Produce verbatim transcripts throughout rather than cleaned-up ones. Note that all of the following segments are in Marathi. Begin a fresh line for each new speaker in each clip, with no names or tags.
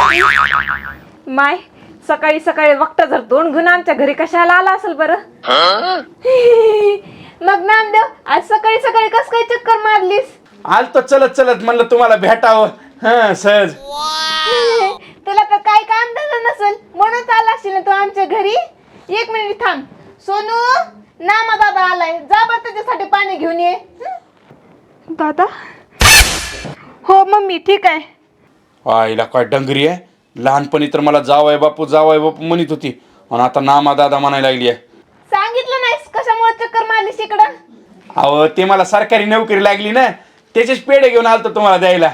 माय सकाळी सकाळी वक्त जर दोन गुण आमच्या घरी कशाला आला असेल बरं. मग नामदेव आज सकाळी सकाळी कस काय चक्कर मारलीस?
आलतो चलत चलत म्हणलं तुम्हाला भेटावं. हा सहज.
तुला तर काय काम झालं नसेल म्हणून आला असशील ना तू आमच्या घरी. एक मिनिट थांब. सोनू नामा दादा आलाय, जा बरं त्याच्यासाठी पाणी घेऊन ये. दादा? हो मम्मी ठीक आहे.
आईला काय डंगरी आहे. लहानपणी तर मला जावय बापू जावय बापू म्हणत होती आणि आता नामा दादा म्हणायला लागली आहे.
सांगितलं नाहीस कशामुळे चक्कर मारलीस इकडं?
अहो ते मला सरकारी नोकरी लागली ना, त्याचेच पेढे घेऊन आलतो तुम्हाला द्यायला.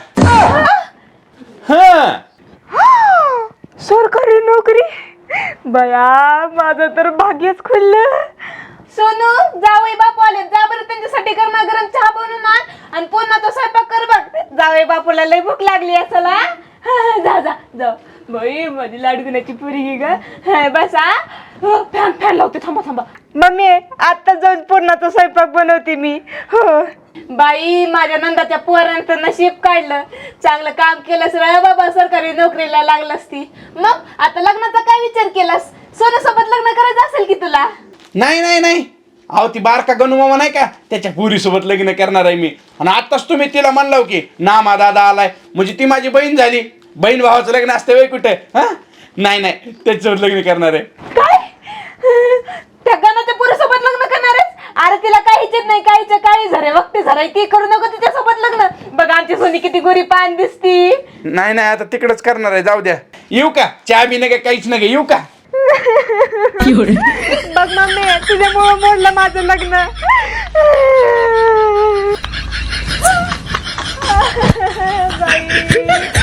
हा
सरकारी नोकरी? बया माझं तर भाग्यच खुललं. सोनू जावई बापू आले, जा बरं त्यांच्यासाठी गरमागरम चहा बनवून आण आणि पुन्हा तो स्वयंपाक कर बघ. जावई बापूला लय भूक लागली असेल. जा जा जा बाई माझी लाडकुण्याची पुरी ग. बसा. फॅन फॅन लावते, थांबा थांबा. मम्मी आता जाऊन पुरणाचा स्वयंपाक बनवते मी. हो बाई माझ्या नंदाच्या पोरांचं नशीब काढलं. चांगलं काम केलंस रे बाबा, सरकारी नोकरीला लागलास ती. मग आता लग्नाचा काय विचार केलास? सोन्यासोबत लग्न करायचं असेल की तुला?
नाही नाही नाही अहो ती बारका गणू मामा नाही का, त्याच्या पुरीसोबत लग्न करणार आहे मी. आणि आत्ताच तुम्ही तिला म्हणलं की नामा दादा आलाय म्हणजे ती माझी बहीण झाली. बहीण भावाचं लग्न असतं वेळ कुठे? हा नाही नाही त्याच्यासोबत लग्न करणार आहे.
काय त्या गणाच्या पुरीसोबत लग्न करणार आहेस? अरे तिला काहीच नाही, काहीच काही झरे वक्ती झराय ती करू नको तिच्यासोबत लग्न. बघ आमची सोनी किती गोरी पान दिसती.
नाही नाही आता तिकडच करणार आहे. जाऊ द्या. येऊ का? चहा बी नका काहीच नका. येऊ का?
बघ मम्मी तुझ्यामुळे मोडलं माझं लग्न. बाई